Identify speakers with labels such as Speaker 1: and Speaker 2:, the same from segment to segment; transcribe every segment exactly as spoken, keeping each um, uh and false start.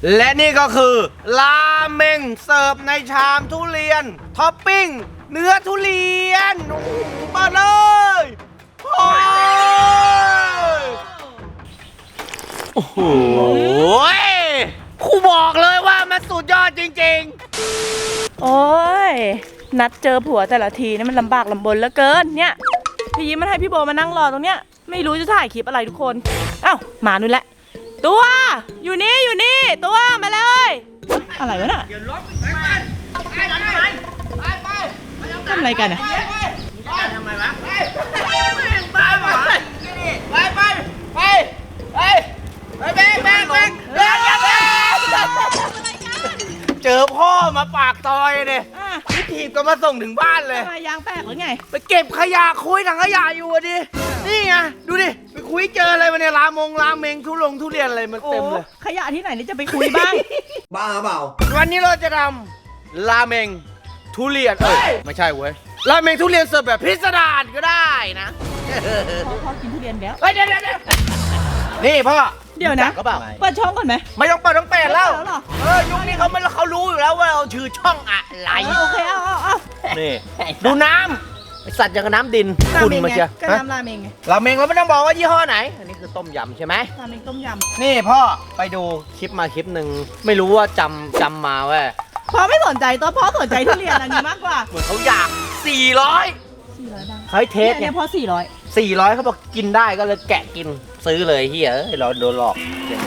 Speaker 1: และนี่ก็คือราเมงเสิร์ฟในชามทุเรียนท็อปปิ้งเนื้อทุเรียนโอ้โหมาเลยโอ้ยโอ้โหครูบอกเลยว่ามันสุดยอดจริงๆ
Speaker 2: โอ้ยนัดเจอผัวแต่ละทีนี่มันลำบากลำบนเหลือเกินเนี่ยพี่ยิ้มมันให้พี่โบมานั่งรอตรงเนี้ยไม่รู้จะถ่ายคลิปอะไรทุกคนเอ้ามานู่นแหละตัวอยู่นี่อยู่นี่ตัวมาเลยอะไรวะน่ะทำอะไรกันอ่ะ
Speaker 1: ทำไมวะไปไปไปไปไปไปไปแบงแบงแบงเจอพ่อมาปากซอยเนี่ยพี่ถีบก็มาส่งถึงบ้านเลย
Speaker 2: ยางแตกหรือไง
Speaker 1: ไปเก็บขยะคุยถังขยะอยู่ดินี่ไงดูดิไปคุยเจออะไรมาเนี่ยรามงรามเมงทุลงทุเรียนอะไรมันเต็มเลย
Speaker 2: ขยะที่ไหนนี่จะไปคุยบ้าง
Speaker 1: บ้าเปล่าวันนี้เราจะทำราเมงทุเรียนเอ้ยไม่ใช่เว้ยราเมงทุเรียนเสิร์ฟแบบพิสดารก็ได้นะ
Speaker 2: พ่อกินทุเรียนแล้ว
Speaker 1: เฮ้ยเดี๋ยวเดี๋ยวนี่พ่อ
Speaker 2: เดี๋ยวนะ
Speaker 1: ก็เปล่า
Speaker 2: เปิดช่องก่อนไหม
Speaker 1: ไม่ต้องเปิดต้องเปิดแล้วเออยุคนี้เขาไม่เขารู้อยู่แล้วว่าเราชื่อช่องอะไร
Speaker 2: โอเคเอาเอาเอา
Speaker 1: นี่ดูน้ำไอสัตว์อย่างกับน้ำดินคุณมาเชีย
Speaker 2: ก็น้ำราเมงไง
Speaker 1: ราเมงเราไม่ต้องบอกว่ายี่ห้อไหนอันนี้คือต้มยำใช่ไหม
Speaker 2: ราเมงต้มยำ
Speaker 1: นี่พ่อไปดูคลิปมาคลิปหนึ่งไม่รู้ว่าจำจำมาเว้ย
Speaker 2: พ่อไม่สนใจตัวพ่อสนใจทุเรียนอันนี้มากกว่า
Speaker 1: เหมือนเขาอยากสี่ร้อย
Speaker 2: สี่ร้อยบาท
Speaker 1: เขาเทส
Speaker 2: เนี่ยพ่อสี่ร้อย
Speaker 1: สี่ร้อยเขาบอกกินได้ก็เลยแกะกินซื้อเลยเฮียเราโดนหลอก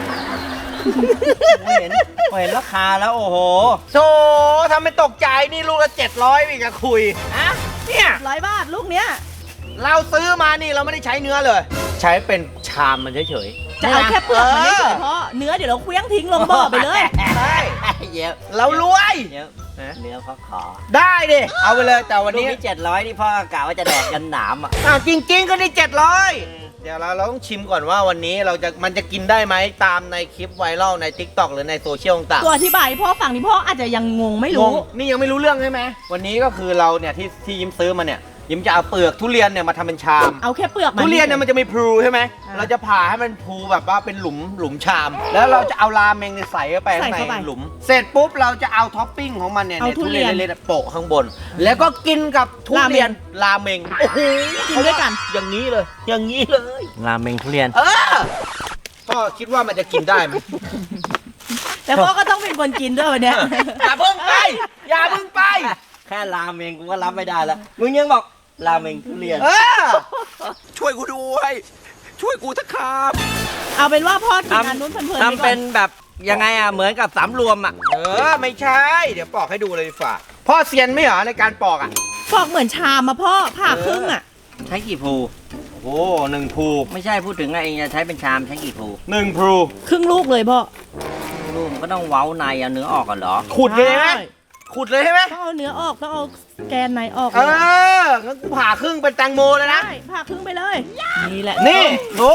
Speaker 1: เห็นเห็นราคาแล้วโอ้โหโธ่ทำไม่ตกใจนี่ลูกละเจ็ดร้อยอีกอะคุยอะเนี่ย
Speaker 2: ร้อยบาทลูกเนี้ย
Speaker 1: เราซื้อมานี่เราไม่ได้ใช้เนื้อเลยใช้เป็นชามมันเฉย
Speaker 2: ๆจะเอาแค่เปลือกมันเฉยๆเพราะเนื้อเดี๋ยวเราเคลี้ยงทิ้งลงบ่อไปเลย
Speaker 1: ใช่เยอะเรารวย
Speaker 3: เนื้อเขาขอ
Speaker 1: ได้ดิเอาไปเลยแต่วันนี้
Speaker 3: เจ็ดร้อยนี่พ่อกะว่าจะแดกกันหนามอ่ะ
Speaker 1: อ้าวจริงๆก็ได้เจ็ดร้อยเดี๋ยวเราเราต้องชิมก่อนว่าวันนี้เราจะมันจะกินได้ไหมตามในคลิปไวรัลใน ติ๊กต็อก หรือในโซเชียลต่าง
Speaker 2: ๆตัวอธิบายพ่อฟังนี่พ่ออาจจะยังงงไม่รู้
Speaker 1: นี่ยังไม่รู้เรื่องใช่ไหมวันนี้ก็คือเราเนี่ยที่ที่ยิ้มซื้อมาเนี่ยยิ้มจะเอาเปลือกทุเรียนเนี่ยมาทำเป็นชาม
Speaker 2: เอาแค่เปลือก
Speaker 1: ทุเรียนเนี่ยมันจะมีพลูใช่ไหมเราจะผ่าให้มันพลูแบบว่าเป็นหลุมหลุมชามแล้วเราจะเอาราเมงเนี่ยใส่เข้าไปข้างในหลุมเสร็จปุ๊บเราจะเอาท็อปปิ้งของมันเนี่ยทุเรียนเล็กๆโปะข้างบนแล้วก็กินกับทุเรียนราเมงโอ้โห
Speaker 2: กินด้วยกัน
Speaker 1: อย่างนี้เลยอย่างนี้เลย
Speaker 3: ราเมงทุเรียน
Speaker 1: เออพ่อคิดว่ามันจะกินได้ไหม
Speaker 2: แต่พ่อก็ต้องเป็นคนกินด้วยวันนี้
Speaker 1: อย่าเพิ่งไปอย่าเพิ่งไป
Speaker 3: แค่ราเมงกูก็รับไม่ได้แล้วมึงยังบอกราเมงทุเรียน
Speaker 1: เออช่วยกูด้วยช่วยกูสักครับ
Speaker 2: เอาเป็นว่าพ่อกินอันนู้นเพลินๆไปก่อน
Speaker 3: ทำเป็นแบบยังไงอ่ะเหมือนกับสามรวมอ่ะ
Speaker 1: เออไม่ใช่เดี๋ยวปอกให้ดูเลยฝ่าพ่อเซียนไม่เหรอในการปอกอ่ะ
Speaker 2: ปอกเหมือนชามมาพ่อผ่าครึ่งอ่ะ
Speaker 3: ใช้กี่ภู
Speaker 1: โอ้หนึ่งภู
Speaker 3: ไม่ใช่พูดถึงไงเองจะใช้เป็นชามใช้กี่ภู
Speaker 1: หนึ่งภู
Speaker 2: ครึ่งลูกเลยพ่อ
Speaker 3: ลูกมันก็ต้องเว้าในเอาเนื้อออกกันเหรอ
Speaker 1: ขุดเลยไหมขุดเลยใช่ไหม
Speaker 2: ต้องเอาเนื้อออกต้องเอาแกนในออก
Speaker 1: เอองั้นกูผ่าครึ่งเป็นแตงโมเลยนะ
Speaker 2: ใช่ผ่าครึ่งไปเลยนี่แหละ
Speaker 1: นี่ดู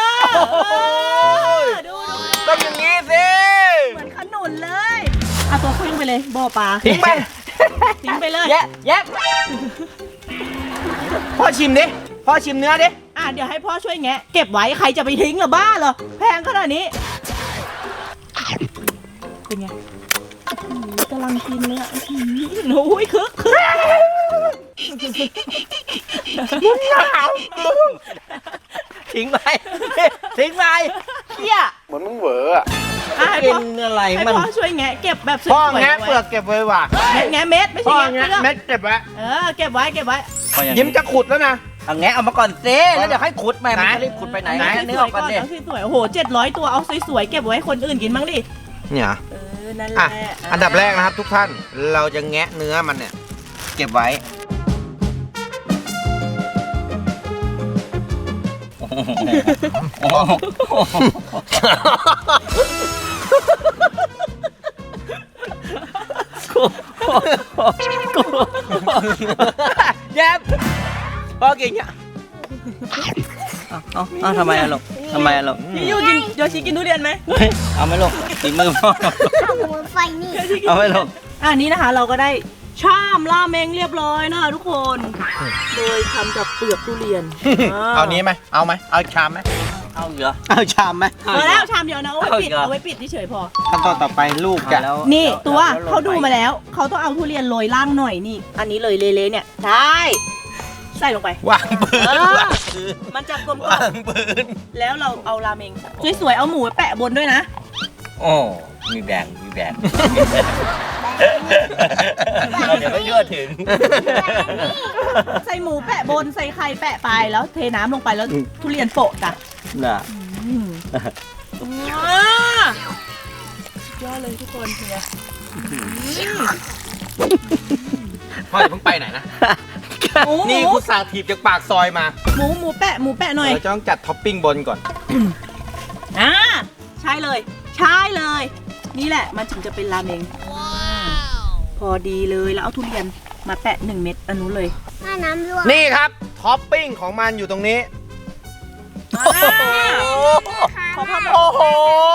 Speaker 2: ดู
Speaker 1: ต้องอย่างนี้สิ
Speaker 2: เหมือนขนุนเลยเอาตัวครึ่งไปเลยบ่อปลา
Speaker 1: ทิ้งไป
Speaker 2: ทิ้งไปเลย
Speaker 1: แยะแยะพ่อชิมดิพ่อชิมเนื้อดิ
Speaker 2: อ่ะเดี๋ยวให้พ่อช่วยแงะเก็บไว้ใครจะไปทิ้งหรอบ้าเหรอแพงขนาดนี้เป็นไงกำลังกินเลยอ่ะโอ้ยคึกคึก
Speaker 1: มึงหนาว
Speaker 3: ทิ้งไปทิ้งไปเฮีย
Speaker 1: เหมือนมึงเหวออ่ะ
Speaker 3: กินอะไรมัน
Speaker 2: พ่อช่วยแงะเก็บแบบสวยๆ
Speaker 1: พ่อแงะเปลือกเก็บไว้ว่ะ
Speaker 2: แงะเม็ดไม่ใช่
Speaker 1: แงะเม็ดเก็บไว้
Speaker 2: เออเก็บไว้เก็บไว้
Speaker 1: ยิ้มจะขุดแล้วนะ
Speaker 3: เอาแงะเอามาก่อนเซ่แล้วเดี๋ยวให้ขุดไปมันจะรีบขุดไปไหน
Speaker 2: เนื้อออกก่อนดิสวยๆโอ้โหเจ็ดร้อยตัวเอาสวยๆเก็บไว้คนอื่นกินบ้างดิ
Speaker 1: เนี่ย
Speaker 2: เออนั่นแหละ
Speaker 1: อันดับแรกนะครับทุกท่านเราจะแงะเนื้อมันเนี่ยเก็บไว้แยบพ่อกินเนี่ย
Speaker 3: เอาเอาทำไมอะลูกทำไมอะลูก
Speaker 2: พี่ยูกินโยชิกินทุเรียนไหม
Speaker 3: เอาไหมลูกตีมือพ่อ
Speaker 4: ไฟนี่
Speaker 3: เอาไหมลูก
Speaker 2: อ่านี้นะคะเราก็ได้ชามราเมงเรียบร้อยนะทุกคนโดยทำจากเปลือกทุเรียน
Speaker 1: เอานี้ไหมเอาไหมเอาชามไหม
Speaker 3: เอาเหรอ
Speaker 1: เอาชามไหม
Speaker 2: พอแล้วชามเดียวนะเอาไว้ปิด
Speaker 3: เอาอีกเหรอ
Speaker 2: เอาไว้ปิดเฉยๆพอ
Speaker 1: ขั้นตอนต่อไปลูกจะ
Speaker 3: แล้ว
Speaker 2: นี่
Speaker 3: แล้ว
Speaker 2: ตัว
Speaker 3: แล้ว
Speaker 2: เขาดู
Speaker 3: ลงไป
Speaker 2: มาแล้วเขาต้องเอาทุเรียนโรยล่างหน่อยนี่ อันนี้เลยเละๆเนี่ยได้ใส่ลงไป
Speaker 1: วางปืน
Speaker 2: เออ
Speaker 1: วางปืน
Speaker 2: มันจะกลม
Speaker 1: วางปืน
Speaker 2: ๆแล้วเราเอาราเมงสวยๆเอาหมูไว้แปะบนด้วยนะ
Speaker 3: โอ้มีแบ่งมีแบ่งเราเดี๋ยวไม่ยั่วถึง
Speaker 2: ใส่หมูแปะบนใส่ไข่แปะไปแล้วเทน้ำลงไปแล้วทุเรียนโปะจ้ะ
Speaker 3: น่ะ
Speaker 2: อืมว้าสุดยอดเลยทุกคนเนี่ย
Speaker 1: พ่ออย่าเพิ่งไปไหนนะ
Speaker 2: หมูห
Speaker 1: นี่
Speaker 2: มู
Speaker 1: กูสั่งถีบจากปากซอยมา
Speaker 2: หมูหมูแปะหมูแปะหน่อย
Speaker 1: เราจะต้องจัดท็อปปิ้งบนก่อน
Speaker 2: อ่าใช่เลยใช่เลย นี่แหละมันถึงจะเป็นราเมงพอดีเลยแล้วเอาทุเรียนมาแปะหนึ่งเม็ดอันนู้นเลย
Speaker 4: ถ้าน้ำรั่ว
Speaker 1: นี่ครับท็อปปิ้งของมันอยู่ตรงนี้
Speaker 2: อ่าขอภาพ
Speaker 1: โอ้โห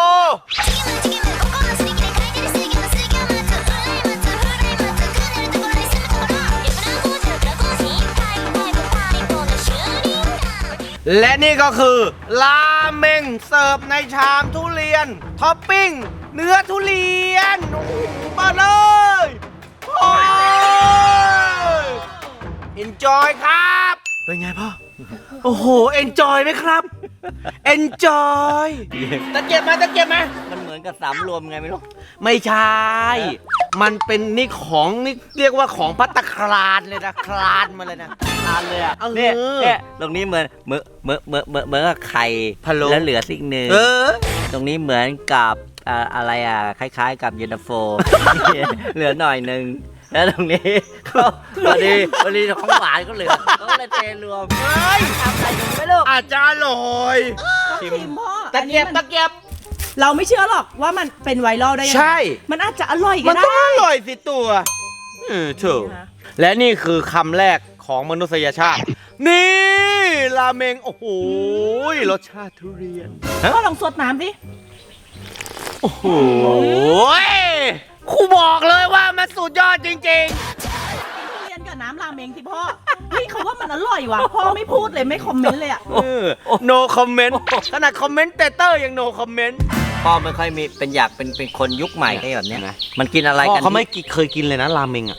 Speaker 1: และนี่ก็คือราเมงเสิร์ฟในชามทุเรียนท็อปปิ้งเนื้อทุเรียนโอ้โหมาเลยโอ้ย enjoy ครับ เป็นไงพ่อ โอ้โห enjoy ไหมครับ enjoy ตะเกียบมาตะเกียบมา
Speaker 3: มันเหมือนกับสามรวมไงไม่รู้
Speaker 1: ไม่ใช่ มันเป็นนี่ของนี่เรียกว่าของพัตตาคลานเลยนะ คลานมาเลยนะ
Speaker 3: ทานเลยอ่ะ
Speaker 1: เออ
Speaker 3: เนี่ยเนี่ยตรงนี้เหมือนเหมือนเหมือนเหมือนเหมือนเหมือนกับไข่
Speaker 1: พะโล้
Speaker 3: แล้วเหลือสิ่งหนึ่ง
Speaker 1: เออ
Speaker 3: ตรงนี้เหมือนกับอ่าอะไรอ่ะคล้ายๆ กับเย็นตาโฟ เหลือหน่อยหนึ่งแล้วตรงนี้ก็พอดีพอดีของหวานก็เหลือก็เลยเทรวม
Speaker 1: เฮ้ย
Speaker 3: ทำอะไรกันไม่รู้
Speaker 1: อาจจะอร่อย
Speaker 2: ชิมพ่อ
Speaker 1: ตะเกียบ
Speaker 2: อันนี้มัน
Speaker 1: ตะเกียบ
Speaker 2: เราไม่เชื่อหรอกว่ามันเป็นไวรัลได้ยังไง
Speaker 1: ใช่
Speaker 2: มันอาจจะอร่อยก็
Speaker 1: มัน
Speaker 2: ได้
Speaker 1: ต้องอร่อยสิตัวเออถูก
Speaker 2: นะ
Speaker 1: และนี่คือคำแรกของมนุษยชาติ นี่ราเมง โอ้โหรสชาติทุเรียน
Speaker 2: พ่อลองสดน้ำดิ
Speaker 1: โอ้โหครูบอกเลยว่ามันสุดยอดจริง
Speaker 2: ทุเรียนกับน้ำราเมงที่พ่อเฮ้ยเขาว่ามันอร่อยว่ะพ่อไม่พูดเลยไม่คอมเมนต์เลยอ่ะ
Speaker 1: ๆเออ no comment ขนาดคอมเมนต์เตเตอร์ยัง no comment
Speaker 3: พ่อไม่ค่อยมีเป็นอยากเป็นเป็นคนยุคใหม่ไอ้แบบเนี้ยมันกินอะไร
Speaker 1: พ่อ
Speaker 3: กัน
Speaker 1: เขาไม่เคยกินเลยนะราเมงอ่ะ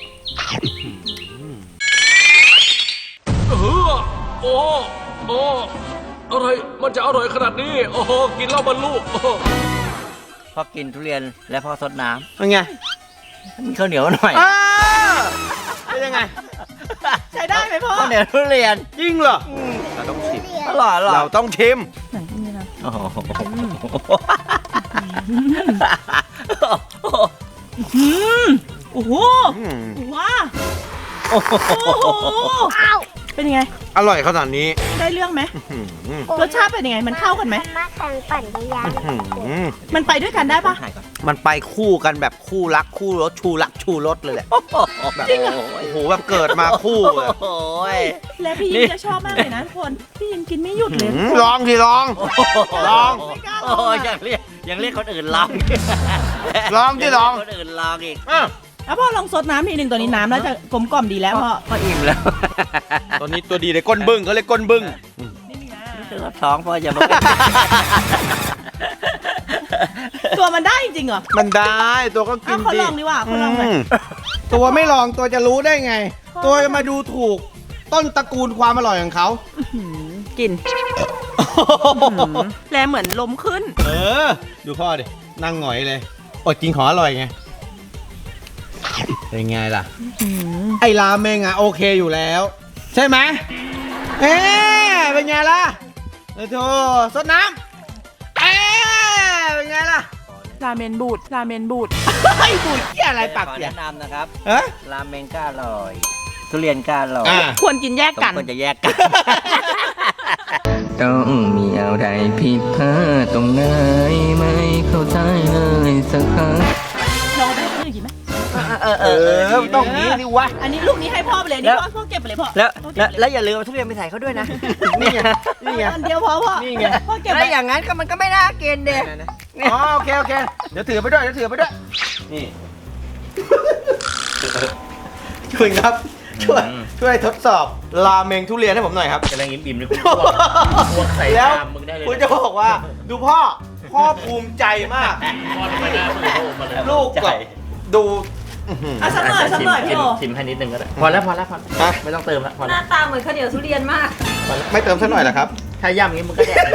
Speaker 5: เออโอ้โอ้อะไร มันจะอร่อยขนาดนี้ โอ้โห กินแล้วมันลูกโอ้โห
Speaker 3: พ่อกินทุเรียนและพ่อซดน้
Speaker 1: เป็นไง
Speaker 3: ำมีข้าวเหนียวหน่อย
Speaker 1: อ้าเป็นยังไง
Speaker 2: ใช้ได้ไหมพ่อ
Speaker 3: ข้าวเหนียวทุเรียน
Speaker 1: จริงเหรอ เราต้องชิม
Speaker 3: อร่อยอร่อย
Speaker 1: เราต้องชิม
Speaker 2: ไหนที่นี่นะ
Speaker 3: โอ้โห
Speaker 2: อืมโอ้โห
Speaker 1: อืม
Speaker 2: ว้าโอ้โหเป็นยังไง
Speaker 1: อร่อยขนาดนี้
Speaker 2: ได้เรื่องไหม
Speaker 1: อื้อหือ
Speaker 2: รสชาติเป็นยังไงมันเข้ากันไหม
Speaker 4: มาแข่งปั่นจักรยาน
Speaker 1: อื้อหือ
Speaker 2: มันไปด้วยกันได้ปะ
Speaker 3: ถ่ายก่อน
Speaker 1: มันไปคู่กันแบบคู่รักคู่รสชูรักชูรสเลยแหละแบบโอ้โหแบบเกิดมาคู่เลย
Speaker 3: โอ้ย
Speaker 2: และพี่ยิมจะชอบมากเลยนะทุกคนพี่ยิมกินไม่หยุดเลย
Speaker 1: หืมลองสิลอง ลอง
Speaker 2: ไม่กล้าล
Speaker 3: โอ้
Speaker 2: อง
Speaker 3: ย
Speaker 2: อะ
Speaker 3: ยังเรียกยังเรียกคนอื่นลอง
Speaker 1: ลองสิลอง
Speaker 3: คนอื่นลองอีก
Speaker 1: อ่ะ
Speaker 2: แล้วพ่อลองซดน้ำทีหนึ่งตัวนี้น้ำแล้วจะกลมกล่อมดีแล้วพ่อ
Speaker 3: ก็อิ่มแล้ว
Speaker 1: ตัวนี้ตัวดีเลยก้นบึ้งเขาเลยกก้นบึ้ง
Speaker 2: นี่นะ
Speaker 3: ถึงว่าท้องพ่อจะมา
Speaker 2: ตัวมันได้จริงเหรอ
Speaker 1: มันได้ตัวก็กิ
Speaker 2: เอา
Speaker 1: น
Speaker 2: เขา
Speaker 1: ดิ
Speaker 2: ลองดีกว่าเขาลองเลย
Speaker 1: มตัวไม่ลองตัวจะรู้ได้ไง ตัวจะมาดูถูก ต้นตระกูลความอร่อยของเขา
Speaker 2: กินแลเหมือนลมขึ้น
Speaker 1: เออ ดูพ่อดิ นั่งหงอยเลยอดกินของอร่อยไง เป็นไงล่ะ ไอ้ราเมงอ่ะโอเคอยู่แล้ว ใช่ไหมเอ๊ะเป็นไงล่ะเออโธ่สดน้ำเอ๊ะเป็นไงล่ะ
Speaker 2: ราเมนบูดราเมนบูด
Speaker 1: ไอ้บุ๋ยเกี่ยอะไรปาก
Speaker 3: ขอ
Speaker 1: เสีย
Speaker 3: แนะนำนะครับ
Speaker 1: เอ๊ะ
Speaker 3: ราเมงก็อร่อย ทุเรียนก็อร่อย
Speaker 1: อ่า
Speaker 2: ควรกินแยก
Speaker 3: สม
Speaker 2: กัน
Speaker 3: ควรจะแยกกัน
Speaker 6: ต้องมีอะไรผิดพลาดตรงไหนไม่เข้าใจเลยสักครั้ง
Speaker 2: ลองไปให้คนอื่นกินไหม
Speaker 3: เออ
Speaker 1: เออต้องงี้ดิวะ
Speaker 2: อันนี้ลูกนี้ให้พ่อไปเลยนี่พ่อพ่อเก็บไปเลยพ่อ
Speaker 3: แล้ว
Speaker 2: พ่อ
Speaker 3: แล้
Speaker 2: เก็
Speaker 3: ว
Speaker 2: บไป
Speaker 3: แล้วอย่าลืมเอาทุเรียนไปใส่เขาด้วยนะ
Speaker 1: นี่ไง นี่ไง
Speaker 2: อันเดียวพอพ่อ
Speaker 1: นี่ไง
Speaker 2: พ่อเก็บไป
Speaker 3: แล้วอย่างนั้นก็มันก็ไม่น่ากินเด็
Speaker 1: อ๋อโอเคโอเค เดี๋ยวถือไปด้วย เดี๋ยวถือไปด้วย นี่ คุณครับช่วยช่วยทดสอบราเมงทุเรียนให้ผมหน่อยครับ
Speaker 3: กำลังอิ่มๆเลยคุณพวกใส่
Speaker 1: แล้ว
Speaker 3: ตามมึงได้เลย
Speaker 1: คุณจะบอกว่า ดูพ่อพ่อภูมิใจมาก
Speaker 3: พ่อทำไมหน้ามึงโตมาเลย
Speaker 1: ลูกแบบดูอื้อหือ
Speaker 2: อ่ะสักหน่อยสักหน่อยพี่โอ
Speaker 3: ชิมให้นิดนึงก็ได้พอแล้วพอแล้วพอ
Speaker 1: ฮะ
Speaker 3: ไม่ต้องเติมแล้วพอ
Speaker 7: ห
Speaker 3: แล้ว
Speaker 7: น้าตาเหมือนข้าวเหนียวทุเรียนมาก
Speaker 1: ไม่เติมสักหน่อยเหรอครับ
Speaker 3: ถ้าย่ำอย่างนี้มึงก็แดก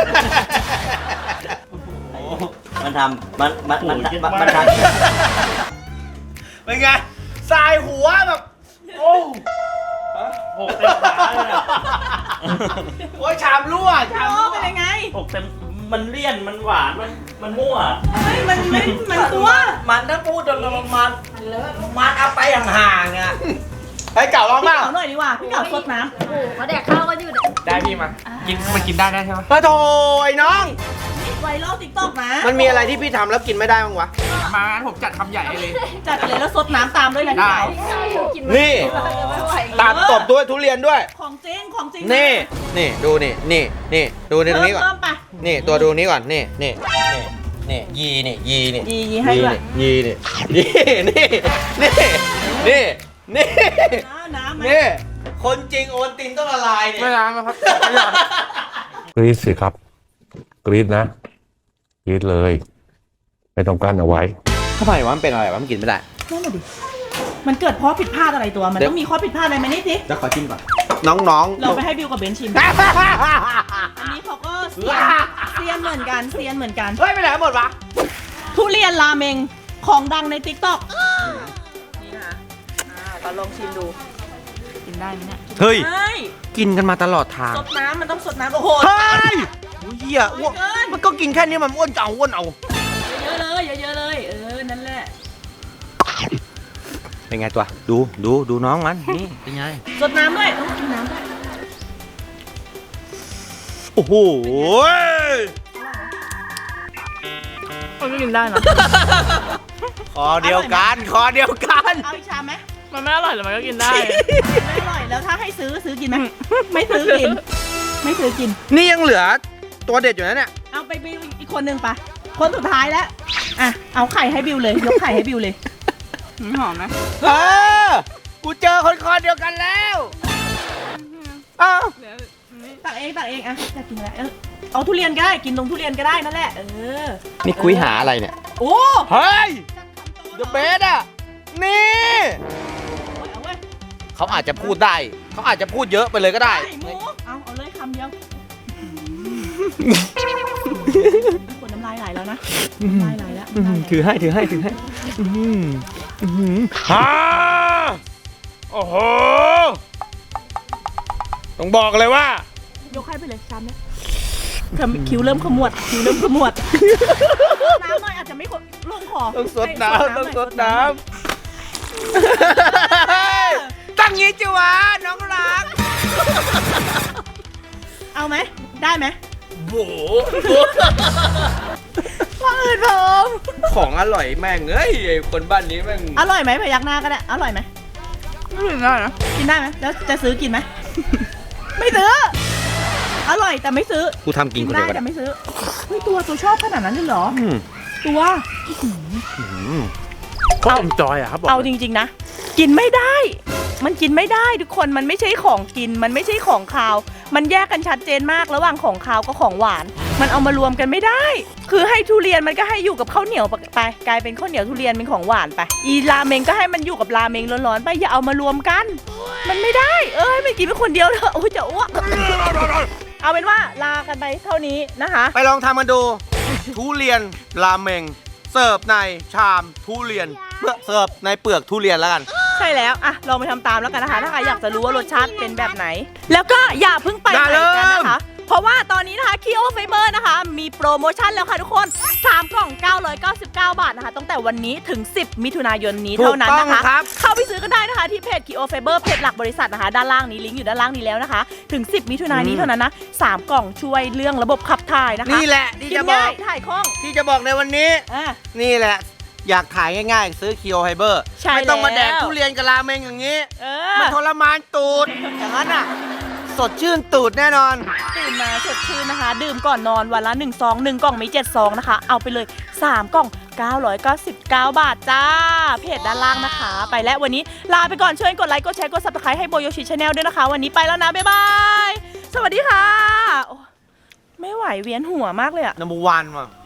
Speaker 3: มันทำมันมันมันมันมันทำ
Speaker 1: เป็นไงสายหัวแบบ โอ้
Speaker 3: หกเต็มขาเลยอะ
Speaker 1: โอ้ยชามรั่วชาม
Speaker 2: โอ้
Speaker 1: รั่ว
Speaker 2: เป็นยังไง
Speaker 3: หกเต็มมันเลี่ยนมันหวานมันมันมั่ว
Speaker 2: เฮ้ยมันไม่มันตัว
Speaker 3: มันถ้าพูดจนมันมันมันเอาไปห่างๆอ่ะ
Speaker 1: ไอ้เก่าลอง
Speaker 2: พี่
Speaker 1: บ้าง
Speaker 2: เก๋าหน่อยดีกว่าพี่เก๋าสดน้
Speaker 7: โอ้โหเขาแดกข้าวกันอยู่เนี่ย
Speaker 5: ได้พี่มา กินมันกินได้ได้ใช่ไหม
Speaker 1: มาโถไอ้น้อง
Speaker 2: ำไวรัลติ๊กต็อกนะ
Speaker 1: มันมีอะไรที่พี่ทำแล้วกินไม่ได้บ้างวะ
Speaker 5: มางั้นผมจัดคำใหญ่ให้เลย
Speaker 2: จัดเลยแล้วสดน้ำตามด้วยนะพี่
Speaker 5: ได้
Speaker 2: เก๋า
Speaker 7: กิน
Speaker 1: นี่
Speaker 7: ไม่ไหว
Speaker 1: ตัดตบด้วยทุเรียนด้วย
Speaker 2: ของจริงของจริง
Speaker 1: นี่ นี่ดูนี่ นี่ นี่ ดูนี่ตรงนี้ก่อน
Speaker 2: เพิ่มไป
Speaker 1: นี่ตัวดูนี้ก่อน นี่ นี่ นี่ นี่ ยีนี่ ยีนี่
Speaker 2: ยียีให้ด้วย
Speaker 1: ยีนี่ ยีนี่ นี่ นี่ นี่
Speaker 2: น้ำน้ำไหม
Speaker 1: นี่ คนจริงโอนตินต้องละลายเนี่ย
Speaker 5: ไม่ล้างนะครับ
Speaker 8: กรีดสิครับ กรีดนะ กรีดเลย ไม่ต้องกั้นเอาไว้
Speaker 1: ทำไมวะมันเป็นอะไรวะมันกินไม่ได้
Speaker 2: นั่นแหละดิมันเกิดเพราะผิดพลาดอะไรตัว มัน
Speaker 1: เดี๋ยว
Speaker 2: ต้องมีข้อผิดพลาดอะไรไหมนี่สิ
Speaker 1: แล้วขอจิ้มก่อน น้องๆ
Speaker 2: เราไปให้บิวกับเบนชิม อันนี้เขาก็เซียนเซียนเหมือนกันเซียนเหมือนกัน
Speaker 1: เฮ้ยไปไหนหมดวะ
Speaker 2: ทุเรียนราเมงของดังในติ๊กต็อกนี่นะคะอ่าเราลองชิมดู กินได้ไหมเนี่ย
Speaker 1: เฮ้ย
Speaker 2: ใช่
Speaker 1: กินกันมาตลอดทาง
Speaker 2: สดน้ำมันต้องสดน้ำโอ้โห
Speaker 1: เฮ้ยโอ้ยเหี้ยอ้วน
Speaker 2: เกิน
Speaker 1: มันก็กินแค่นี้มันอ้วนจะเอาอ้วนเอา
Speaker 2: เยอะๆเลยเยอะๆเลย เออ นั่นแหละ
Speaker 1: เป็นไงตัว ดู ดู ดูน้องมัน นี่ เป็นไง
Speaker 2: สดน้ำด้วยต้องกินน้ำด้วย
Speaker 1: โอ้โห
Speaker 2: มันก็กินได้นะ
Speaker 1: คอเดียวกัน คอเดียวกัน
Speaker 2: เอาอีกชามไหม
Speaker 9: มันไม่อร่อยแต่มันก็กินได้
Speaker 2: ไม่อร่อยแล้วถ้าให้ซื้อซื้อกินไหมไม่ซื้อกิน ไม่ซื้อกิน
Speaker 1: นี่ยังเหลือตัวเด็ดอยู่นะเนี่ย
Speaker 2: เอาไปบิวอีกคนหนึ่งไปะคนสุดท้ายแล้ว อ่ะ เอาไข่ให้บิวเลย ยกไข่ให้บิวเลย
Speaker 9: หอมไหม
Speaker 1: เออ กูเจอคนคอเดียวกันแล้วอ้าว
Speaker 2: ตักเองตักเองอ่ะอยากกินอะไรเออเอาทุเรียนก็ได้กินตรงทุเรียนก็ได้นั่นแหละเออ
Speaker 1: นี่คุยหาอะไรเนี่ย
Speaker 2: โอ้
Speaker 1: เฮ้ย เดอะเบสอ่ะ นี่
Speaker 2: เอาเว้ย
Speaker 1: เขาอาจจะพูดได้ เขาอาจจะพูดเยอะไปเลยก็ได้
Speaker 2: ไข่หมูเอาเอาเลยคำเดียวคนน้ำลายไหลแล้วนะน้ำลายไหลแล้วน้ำลายไหล
Speaker 1: ถือให้ ถือให้ ถือให้ฮ่าโอ้โห ต้องบอกเลยว่า
Speaker 2: ยกให้ไปเลยชามเนี้ยขมคิ้วเริ่มขมวดคิ้วเริ่มขมวดน้ำหน่อยอาจจะไม่ครบลงคอ
Speaker 1: ต้องสด
Speaker 2: ให้
Speaker 1: น้ำ
Speaker 2: ห
Speaker 1: ต้อง
Speaker 2: ย
Speaker 1: สดน้ำตั้งงี้จิวะน้องรัก
Speaker 2: เอาไหมได้ไหม
Speaker 1: โบ
Speaker 2: ว่าอื่นผม
Speaker 1: ของอร่อยแม่งเอ้ยไอ้คนบ้านนี้แม่ง
Speaker 2: อร่อยไหมพยักหน้าก็ได้อร่อยไหม
Speaker 9: ไม่กินได้นะ
Speaker 2: กินได้ไหมแล้วจะซื้อกินไหม ไม่ซื้อ อร่อยแต่ไม่ซื้อ
Speaker 1: กูทำกินคน
Speaker 2: ได้
Speaker 1: เดียวกัน
Speaker 2: แต่ไม่ซื้อเฮ้ยตัวตัวชอบขนาดนั้นเลยเหรอ
Speaker 1: อืม
Speaker 2: ตัว
Speaker 5: ก็เอ็นจอยอะครับบอก
Speaker 2: เอาจริงๆนะ กินไม่ได้ มันกินไม่ได้ทุกคนมันไม่ใช่ของกิน มันไม่ใช่ของคาว มันแยกกันชัดเจนมากระหว่างของคาวกับของหวาน มันเอามารวมกันไม่ได้ คือให้ทุเรียนมันก็ให้อยู่กับข้าวเหนียวไปกลายเป็นข้าวเหนียวทุเรียนเป็นของหวานไปอีราเมงก็ให้มันอยู่กับราเมงร้อนๆไปอย่าเอามารวมกัน มันไม่ได้ เอ้ยไม่กินเป็นคนเดียวเถอะโอ้ยจะอ้วกเอาเป็นว่าลากันไปเท่านี้นะคะ
Speaker 1: ไปลองทำกันดู ทุเรียนราเมง เสิร์ฟในชามทุเรียนเพื่อเสิร์ฟในเปลือกทุเรียนแล้วกัน
Speaker 2: ใช่แล้วอะลองไปทำตามแล้วกันนะคะ ถ้าใครอยากจะรู้ว่ารสชาติเป็นแบบไหน แล้วก็อย่าเพิ่งไป
Speaker 1: อย่า
Speaker 2: ไหนกัน
Speaker 1: ลืม
Speaker 2: นะคะ เพราะว่าตอนนี้นะคะ Kio Fiber นะคะ มีโปรโมชั่นแล้วค่ะทุกคน สาม กล่อง เก้าร้อยเก้าสิบเก้า บาทนะคะตั้งแต่วันนี้ถึง สิบ มิถุนายนนี้เท่านั้นนะคะ
Speaker 1: ถูกต้องครับ
Speaker 2: เข้าไปซื้อกันได้นะคะที่เพจ Kio Fiber เพจหลักบริษัทนะคะ ด้านล่างนี้ลิงก์อยู่ด้านล่างนี้แล้วนะคะ ถึง สิบ มิถุนายนนี้เท่านั้นนะสามกล่องช่วยเรื่องระบบขับถ่ายนะคะ
Speaker 1: นี่แหละที่
Speaker 2: กิน
Speaker 1: จะบอ
Speaker 2: ง่าก ยถ่ายคล่อง
Speaker 1: ที่จะบอกในวันนี้
Speaker 2: อ่ะ
Speaker 1: นี่แหละ อยากถ่ายง่ายๆ ซื้อคิโอไฮเบอร์
Speaker 2: ใช่
Speaker 1: ไม่ต้องมา
Speaker 2: แล้ว
Speaker 1: แดกทุเรียนกับราเมงอย่างนี้
Speaker 2: เอ
Speaker 1: มัน
Speaker 2: อ
Speaker 1: ทรมานตูด อย่างนั้นอ่ะสดชื่นตูดแน่นอน
Speaker 2: ตื่นมาสดชื่นนะคะ ดื่มก่อนนอนวันละหนึ่งซองหนึ่งกล่องมีเจ็ดซองนะคะ เอาไปเลยสามกล่องเก้าร้อยเก้าสิบเก้าบาทจ้าเพจด้านล่างนะคะ ไปแล้ววันนี้ลาไปก่อนช่วยกดไลค์กดแชร์กด ซับสไครบ์ ให้โบโยชิชาแนลด้วยนะคะ วันนี้ไปแล้วนะบ๊ายบายสวัสดีค่ะโอ้ไม่ไหวเวียนหัวมากเลยอะ
Speaker 1: นัมเบอร์วันว่ะ